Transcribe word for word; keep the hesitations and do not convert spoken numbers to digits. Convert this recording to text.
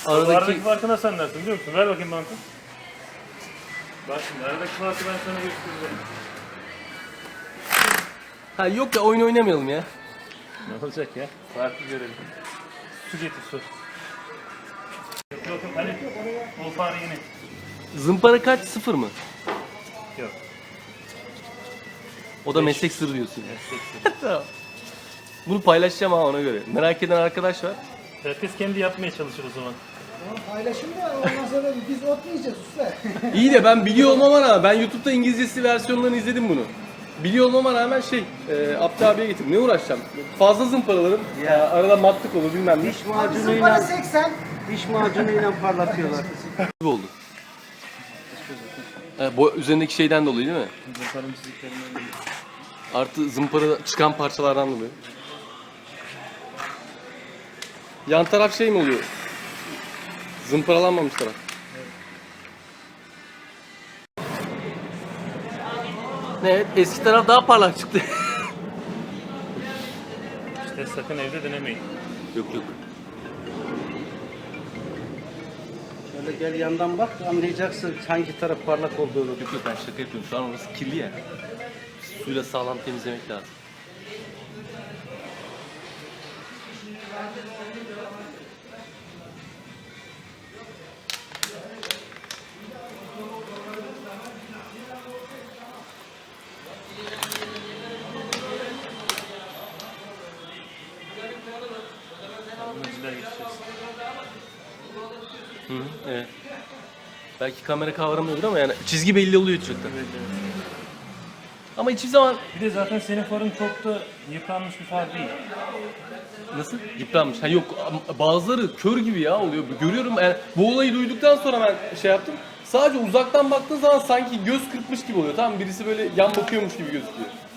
Aradaki... Aradaki farkı nasıl anlarsın biliyor musun? Ver bakayım bantı. Bak şimdi aradaki farkı ben sana göstereceğim. Ha yok ya, oyun oynamayalım ya. Ne olacak ya? Farkı görelim. Su getir su. Yok yok yok hani o fare yine. Zımpara kaç? Sıfır mı? Yok. O da Beş. meslek sırrı diyorsun. Meslek sırrı. Tamam. Bunu paylaşacağım ha, ona göre. Merak eden arkadaş var. Herkes kendi yapmaya çalışır o zaman. Paylaşım da ondan sonra biz ot yiyeceğiz usta. İyi de ben biliyor olmama rağmen, ben YouTube'da İngilizcesi versiyonlarını izledim bunu. Biliyor olmama rağmen şey, e, Abdi abiye getirdim. Ne uğraşacağım? Fazla zımparalarım. Ya. Arada matlık olur bilmem ne. Diş Bizim para macunuyla, seksen. diş macunuyla parlatıyorlar. Gibi oldu. E, bu üzerindeki şeyden dolayı değil mi? Zımparın çiziklerinden değil. Artı zımpara çıkan parçalardan dolayı. Yan taraf şey mi oluyor? Zımparalanmamış taraf. Evet, eski taraf daha parlak çıktı. İşte sakın evde denemeyin. Yok yok. Şöyle gel yandan bak, anlayacaksın hangi taraf parlak olduğunu. Yok yok, ben şaka yapıyorum. Şu an orası kirli ya. Suyla sağlam temizlemek lazım. Meciler geçeceğiz. Hı hı, evet. Belki kamera kavramıyordur ama yani çizgi belli oluyor uçakta. Evet, evet. Ama hiçbir zaman... Bir de zaten senin farın çok da yıpranmış bir far değil. Nasıl? Yıpranmış. Ha yok, ama bazıları kör gibi ya oluyor. Görüyorum yani, bu olayı duyduktan sonra ben şey yaptım. Sadece uzaktan baktığın zaman sanki göz kırpmış gibi oluyor. Tamam mı? Birisi böyle yan bakıyormuş gibi gözüküyor.